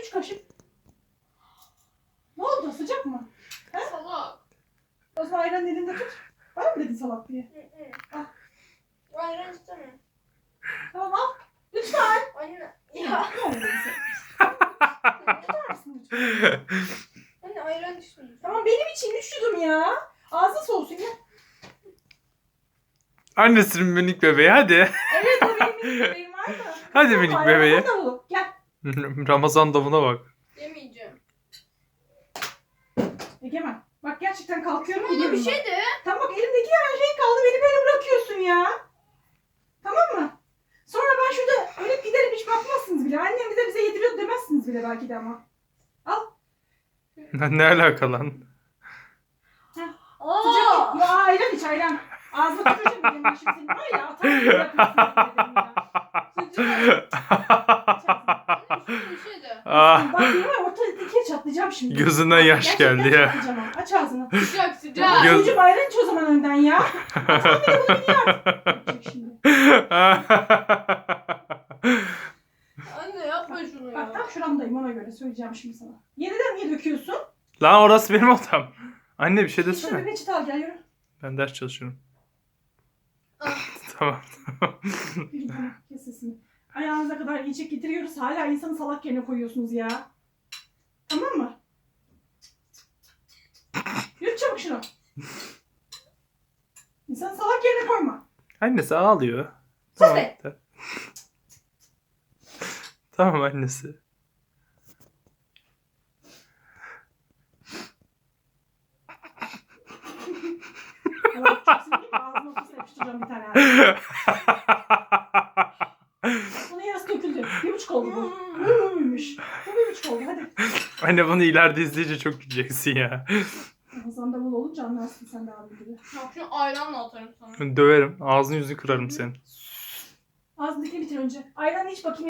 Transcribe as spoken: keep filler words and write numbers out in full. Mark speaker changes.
Speaker 1: üç kaşık. Ne oldu? Sıcak mı?
Speaker 2: He? Salak.
Speaker 1: O zaman ayranı elinde tut. Bana mı dedin salak diye?
Speaker 2: Hı hı.
Speaker 1: Al.
Speaker 2: Ayran istemiyorum.
Speaker 1: Tamam al. Lütfen.
Speaker 2: Anne. Ya.
Speaker 1: Ne oldu sen? Tutar mısın lütfen?
Speaker 2: Anne ayran içmeyeceğim.
Speaker 1: Tamam benim için üşüdüm ya. Ağzın soğusun ya.
Speaker 3: Annesinin minik bebeği hadi.
Speaker 1: Evet o benim minik bebeğim var da.
Speaker 3: Hadi
Speaker 1: Tamam,
Speaker 3: minik
Speaker 1: ayran
Speaker 3: bebeği.
Speaker 1: sana davulu. Gel.
Speaker 3: Ramazan davuna bak.
Speaker 2: Yemeyeceğim.
Speaker 1: Egemen. Bak gerçekten kalkıyorum
Speaker 2: Bana
Speaker 1: gidiyorum.
Speaker 2: bir şey de.
Speaker 1: Tamam bak elimdeki her şey kaldı. Beni böyle bırakıyorsun ya. Tamam mı? Sonra ben şurada ölüp giderim hiç bakmazsınız bile. Annem bize bize yediriyor demezsiniz bile belki de ama. Al.
Speaker 3: Ne alaka lan?
Speaker 1: Sıcak.
Speaker 2: Aa.
Speaker 1: Ya ayran iç ayran. Ağzına tüküreceğim benim başım senin. Var ya atarım bırakırsın dedim ya.
Speaker 2: Sıcak. Anne bir şey de.
Speaker 3: Ah,
Speaker 1: Bak yemin ortada ikiye çatlayacağım şimdi.
Speaker 3: gözünden yaş
Speaker 1: Gerçekten
Speaker 3: geldi ya.
Speaker 1: çatlayacağım ama. Aç ağzını.
Speaker 2: Sıcak sıcak.
Speaker 1: Ya
Speaker 3: Göz-
Speaker 1: çocuğum ayran iç o zaman önden ya. Atam bile bunu biliyor. Yapacak şimdi.
Speaker 2: Anne yapma şunu
Speaker 1: Bak
Speaker 2: ya.
Speaker 1: tam şuramdayım ona göre söyleyeceğim şimdi sana. Yeniden niye döküyorsun?
Speaker 3: Lan orası benim odam. Anne bir şey
Speaker 1: Git şöyle
Speaker 3: desene.
Speaker 1: bir peçete al gel yürü.
Speaker 3: Ben ders çalışıyorum.
Speaker 2: Ah.
Speaker 3: Tamam.
Speaker 1: Yürü tamam kes sesini. Ayağınıza kadar yiyecek getiriyoruz. Hala insanı salak yerine koyuyorsunuz ya. Tamam mı? Yürü çabuk şunu. İnsanı salak yerine koyma.
Speaker 3: Annesi ağlıyor.
Speaker 1: Sus
Speaker 3: Tamam.
Speaker 1: be.
Speaker 3: Tamam annesi.
Speaker 1: Allah çok sinirliyim. Ağzına ortasına yapıştıracağım bir tane. Ağzına. Bunun yarısı döküldü. Bir buçuk oldu bu. Buymuş. Bu bir buçuk oldu hadi.
Speaker 3: Anne bunu ileride izleyince çok güleceksin ya.
Speaker 1: Ramazan davul olunca anlarsın sen de abi gibi.
Speaker 2: Bak şunu ayranla atarım sana.
Speaker 3: Döverim. Ağzını yüzünü kırarım senin.
Speaker 1: Ağzındakini bitir önce. Ayranı iç bakayım.